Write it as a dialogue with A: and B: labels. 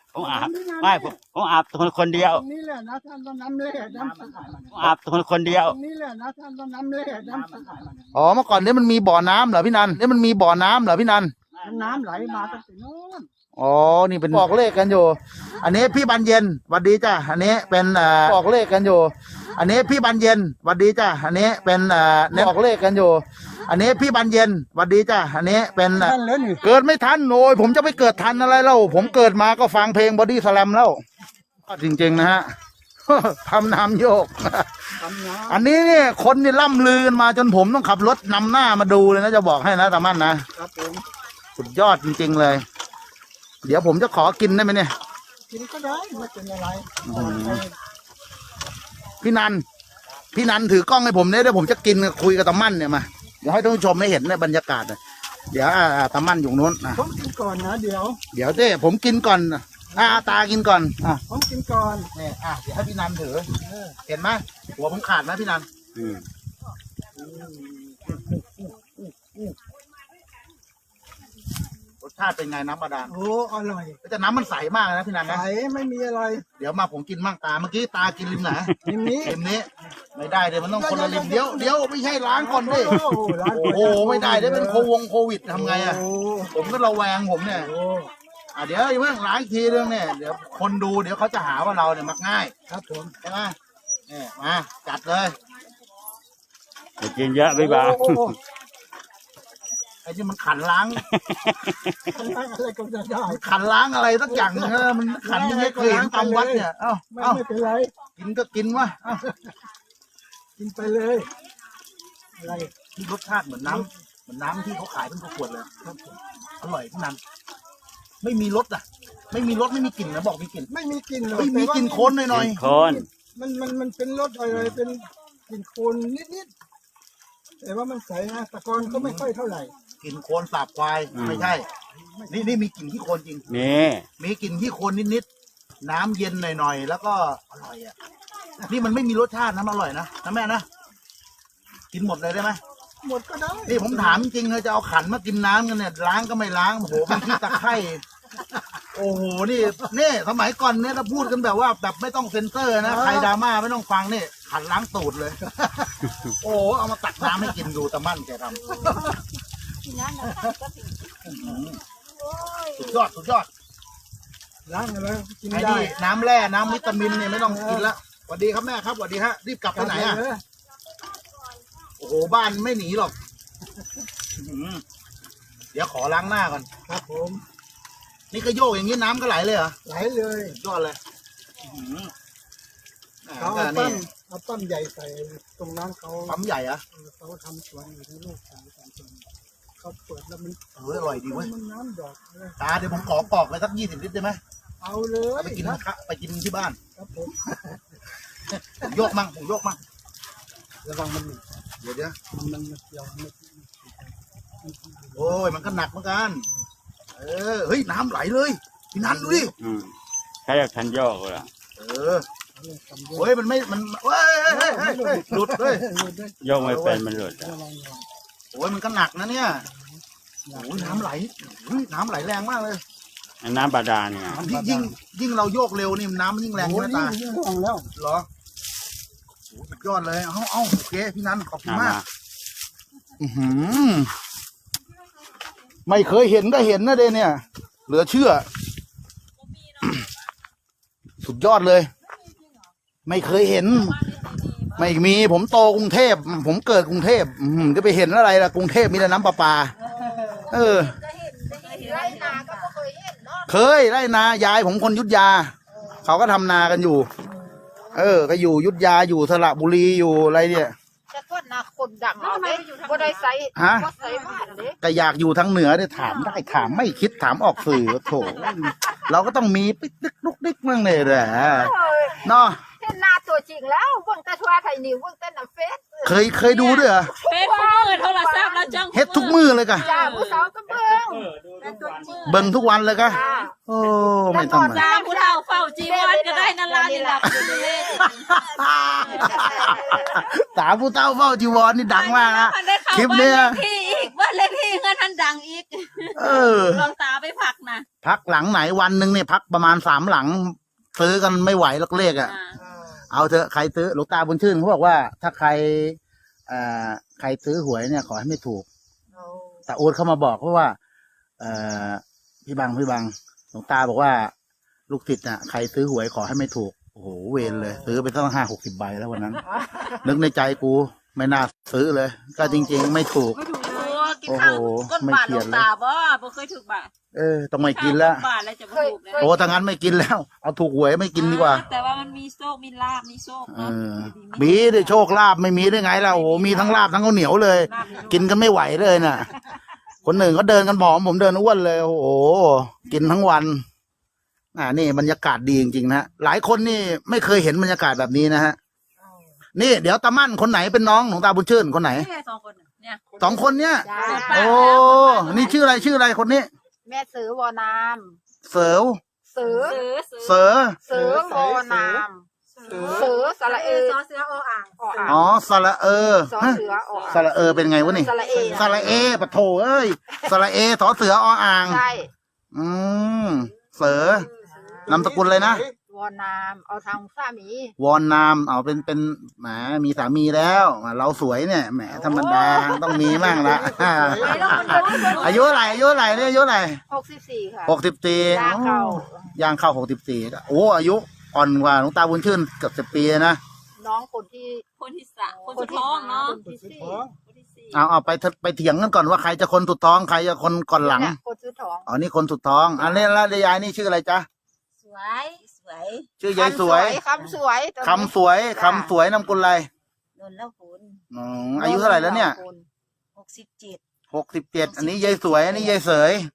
A: ผมอาบไม่ผมอาบคนเดียว
B: นี่แหละนะท่านต้องน้ำเล่น้ำสะอาด
A: ผมอาบคนเดียว
B: นี่แหละนะท่านต้องน้ำเล่น้ำสะอาด
C: อ๋อเมื่อก่อนนี้มันมีบ่อน้ำเหรอพี่นันนี่มันมีบ่อน้ำเหรอพี่นัน
B: น้ำไหลมาตั้งแต่โน้น
C: อ๋อนี่เป็นบอกเลขกันอยู่ อันนี้พี่บานเย็นหวัดดีจ้ะอันนี้เป็นบอกเลขกันอยู่ อันนี้พี่บานเย็นหวัดดีจ้ะอันนี้เป็นบอกเลขกันอยู่ อันนี้พี่บานเย็นหวัดดีจ้ะอันนี้เป็น
B: ท่านเลยนี่
C: เกิดไม่ทันโอ้ยผมจะไปเกิดทันอะไรเล่าผมเกิดมาก็ฟังเพลงบอดี้สแลมแล้วจริงๆนะฮะ ทำน้ำโยก
B: ทำน้
C: อันนี้เนี่ยคนนี่ล่ำลือกันมาจนผมต้องขับรถนำหน้ามาดูเลยนะจะบอกให้นะตามั่นนะ
B: ำครับผม
C: สุดยอดจริงๆเลย เดี๋ยวผมจะขอกินได้ไหมเนี่ย
B: กินก็ได้ไม่เป็นอะไร
C: พี่นันพี่นันถือกล้องให้ผมเนี่ยเดี๋ยวผมจะกินคุยกับตามั่นเนี่ยมาเดี๋ยวให้ท่านผู้ชมได้เห็นในบรรยากาศเลยเดี๋ยวตามั่นอยู่นู้นนะ
B: ผมกินก่อนนะเดี๋ยว
C: เดี๋ยวเจ้ผมกินก่อนตากินก่อน
B: ผมกินก่อน
C: เนี่ยเดี๋ยวให้พี่นันถือเห็นไหมหัวผมขาดไหมพี่นันรสชาติเป็นไงน้ำบาดาล
B: โอ้อร่อย
C: แต่น้ำมันใสมากนะพี่นัน
B: ใส
C: นะ
B: ไม่มีอะไร
C: เดี๋ยวมาผมกินมั่งตาเมื่อกี้ตากินริมไหน
B: ริมนี้
C: ริมนี้ไม่ได้เดี๋ยวมันต้องคนละริมเดี๋ยวไม่ใช่ล้างก่อนดิ
B: โอ้โหร้าน
C: โอ้โหไม่ได้เดี๋ยวเป็นโควิดทำไงอ่ะ
B: โอ้
C: ผมก็ระแวงผมเนี่ย
B: โอ้
C: เดี๋ยวอย่าเพิ่งล้างอีกทีเรื่องเนี่ยเดี๋ยวคนดูเดี๋ยวเขาจะหาว่าเราเนี่ยมักง่าย
B: ครับผม
C: ใช่ไหมเนี่ยมาจัดเลย
A: อย่ากินเยอะพี่บ่าว
B: โอ้โห
C: ไอ้ที่มันขันล้าง
B: อะไรก็จะได้
C: ขันล้างอะไรสักอย่างนึงมันขันยังไงเคยเห็นตามวัดเนี่ยเอ้า
B: ไม่เป็นไร
C: กินก็กินวะเอ้า
B: กินไปเลยอะไร
C: ที่รสชาติเหมือนน้ำที่เขาขายเป็นขวดเลยอร่อยที่นั้นไม่มีรสอ่ะ ไม่มีรสไม่มีกลิ่นนะบอกมีกลิ่น
B: ไม่มีกลิ่นหรอก
C: ไม่มีกลิ่นโคนหน่อย
A: คน
B: มันเป็นรสอะไรเป็นกลิ่นโคลนนิดๆแต่ว่ามันใสนะตะกอนก็ไม่ค่อยเท่าไหร่
C: ๆกลิ่นโคนสาบควายไม่ใช่นี่มีกลิ่นที่โคนจริง
A: นี่
C: มีกลิ่นที่โคนนิดๆน้ำเย็นหน่อยๆแล้วก็อร่อยอ่ะนี่มันไม่มีรสชาตินะมันอร่อยนะแม่นะกินหมดเลยได้ไหม
B: หมดก็ได้
C: นี่ผมถามจริงเลยจะเอาขันมากินน้ำกันเนี่ยล้างก็ไม่ล้างโอ้โหเป็นที่ตะไคร่โอ้โหนี่สมัยก่อนเนี่ยเราพูดกันแบบว่าแบบไม่ต้องเซ็นเซอร์นะใครดราม่าไม่ต้องฟังนี่ขันล้างตูดเลย โอ้โหเอามาตักน้ำให้กินดูตะมั่นแกทำสุดยอด
B: ล้างอะไรกิน
C: ไอ้
B: ได้
C: นี่น้ำแร่น้ำวิตามินเนี่ยไม่ต้องกินละสวัสดีครับแม่ครับสวัสดีฮะรีบกลับไปไหนอ่ะโอ้โหบ้านไม่หนีหรอกเดี๋ยวขอล้างหน้าก่อน
B: ครับผม
C: นี่ก็โยกอย่างนี้น้ำก็ไหลเลยเหรอ
B: ไหลเลย
C: ยอดเลย
B: เขาเอาปั้มใหญ่ใส่ตรงนั้นเขา
C: ปั๊มใหญ่อะ
B: เขาทำสวนอยู่ที่ลูกสาวทำสวนเขาเปิดแล้วมัน
C: อร่อยดีเว้ย
B: มันน้ำดอกเลย
C: ตาเดี๋ยวผมขอกรอกไปสัก20 ลิตรได้ไหม
B: เอาเลย
C: เอาไปกินไปกินที่บ้าน
B: ครับผม
C: ผมโยกมั่ง
B: ระวังมัน
C: เดี๋ยว
B: มันเกี่ยวมัน
C: โอ้ยมันก็หนักเหมือนกันเฮ้ยน้ำไหลเลยพี่นันดูดิ
A: ใช้จากทันโยกเลย
C: โอ้ยมันไม่มันเฮ้ยหลุดเลย
A: โยกไม่เป็นมันหลุด
C: โอ้ยมันก็หนักนะเนี่ยโอ้ยน้ำไหลน้ำไหลแรงมากเลย
A: น้ำบาดาลเนี่ย
C: ยิ่งเราโยกเร็วนี่น้ำมันยิ่งแรงใช่ไหมตา
B: ระวังแล้ว
C: เหรอโอ้สุดยอดเลยเอาโอเคพี่นันขอบคุณมากไม่เคยเห็นก็เห็นนะเดเนี่ยเหลือเชื่อ สุดยอดเลย ไม่เคยเห็น ไม่มีผมโตกรุงเทพผมเกิดกรุงเทพจะไปเห็นอะไรล่ะกรุงเทพมีแต่น้ำประปาเคยไร่นายายผมคนยุทธยาเขาก็ทำนากันอยู่ก็อยู่ยุทธยาอยู่สระบุรีอยู่อะไรเนี่ย
D: จะต้นนาคนดังเอาเด้บ่ได้ใส่บ่ใส่บ้านเด้
C: ก็อยากอยู่ทางเหนือเนี่ยถามได้ถามไม่คิดถามออกสื่อโถเราก็ต้องมีปิ๊กติ๊กลุกดิ๊กมั่งเลยแหละเนาะ
D: เห็นหน้าตัวจริงแล้วเบิ่งแต่ทั่วไทยนิวเบิ่งแต่น้ำเฟซ
C: เคยดูด้วยเหรอ
E: เฟซทุกมือโทรศัพท์แล้วจัง
C: เฮ็ดทุกมือเลยกะ
D: จ้าผู้สาวก็เบิ่งแต่ตัวจริง
C: เบิ่งทุกวันเลยกะ
D: จ้า
C: โอ้ไม่ธรรมดา
E: ตามผู้เฒ่าเฝ้าจีวรก็ได้นั่นล่ะนี่ล่ะอยู่นี่
C: สาวผู้เต้าเฝ้าจีวรนี่ดังมากนะคลิปเนี้ย
E: บ้านเลขที่อีกบ้านเลขที่เงินทันดังอีกลองตาไปผักนะ
C: พักหลังไหนวันหนึ่งเนี่ยพักประมาณ3 หลัง ซื้อกันไม่ไหวแล้วเลขอ่ะ เอาเถอะใครซื้อหลวงตาบุญชื่นเขาบอกว่าถ้าใครใครซื้อหวยเนี่ยขอให้ไม่ถูกแต่โอ๊ตเข้ามาบอกเพราะว่าพี่บังหลวงตาบอกว่าลูกศิษย์น่ะใครซื้อหวยขอให้ไม่ถูกโอ้โหเวรเลยซื้อไปตั้ง50-60 ใบแล้ววันนั้น นึกในใจกูไม่น่าซื้อเลย ก็จริงๆไม่ถูก
E: กินข้าวก้นบาทหลวงตาบ่เคยถูกบาท
C: ต้องไม่กินแล้ว
E: บาทแล้วจะมาถูกแล้ว
C: โอ้ถ้างั้นไม่กินแล้วเอาถูกหวยไม่กินดีกว่า
E: แต่ว่ามันมีโชคมีลาบมีโชคเนาะ
C: มีได้โชคลาภไม่มีได้ไงล่ะโอ้โหมีทั้งลาบทั้งข้าวเหนียวเลย กินกันไม่ไหวเลยน่ะ คนหนึ่งเขาเดินกันผอมผมเดินอ้วนเลยโอ้โหกินทั้งวันนี่บรรยากาศดีจริงๆนะหลายคนนี่ไม่เคยเห็นบรรยากาศแบบนี้นะฮะนี่เดี๋ยวตามั่นคนไหนเป็นน้องของตาบุญชื่นคนไหน
E: แค่2 คนเนี่ย
C: 2 คนเนี้ย
D: จ้า
C: โอ้นี่ชื่ออะไรคนนี้
D: แม่ซื้อวอนาม
C: เสือ
D: ซื้อ
C: เสือ
D: ซื้อวอนามซื้อสระเอ
F: ซอเสือออ่าง
D: ออ่าง
C: อ๋อสระ
D: สอ
C: ฮะ
D: เสืออ
C: สระเป็นไงวะนี่
D: สระเอ
C: สระปะโถเอ้ยสระสอเสืออ่าง
D: ใช่
C: เสือนามสกุลเลยนะ
D: วอนามเอาทางสามี
C: วอนนามเอาเป็นแหมมีสามีแล้วเราสวยเนี่ยแหมธรรมดาต้องมีมั่งละอายุอะไรเนี่ยอายุอะไร
D: 64ค่ะ
C: 64
D: ย่างเข้า
C: ย่างเข้า64โอ้อายุอ่อนกว่าหลวงตาบุญชื่นเกือบ10 ปีนะ
D: น้องคนที่
E: คนที่3คนสุดท้องเนาะ
D: คนที่สี่
E: คนที่4
C: เอาไปเถียงกันก่อนว่าใครจะคนสุดท้องใครจะคนก่อนหลัง
D: เนี่ยคนซื้อทอง
C: อ๋อนี่คนสุดท้องอันนี้แล้วยายนี่ชื่ออะไรจ๊ะ
F: สวยสวย
C: ชื่อยายสวย
D: คำสวย
C: คำสวยนามกุลอะไร
F: โดนแล้วคุณ
C: อายุเท่าไหร่แล้วเนี่ย
F: 67
C: 67อันนี้ยายสวยอันนี้ยายเสย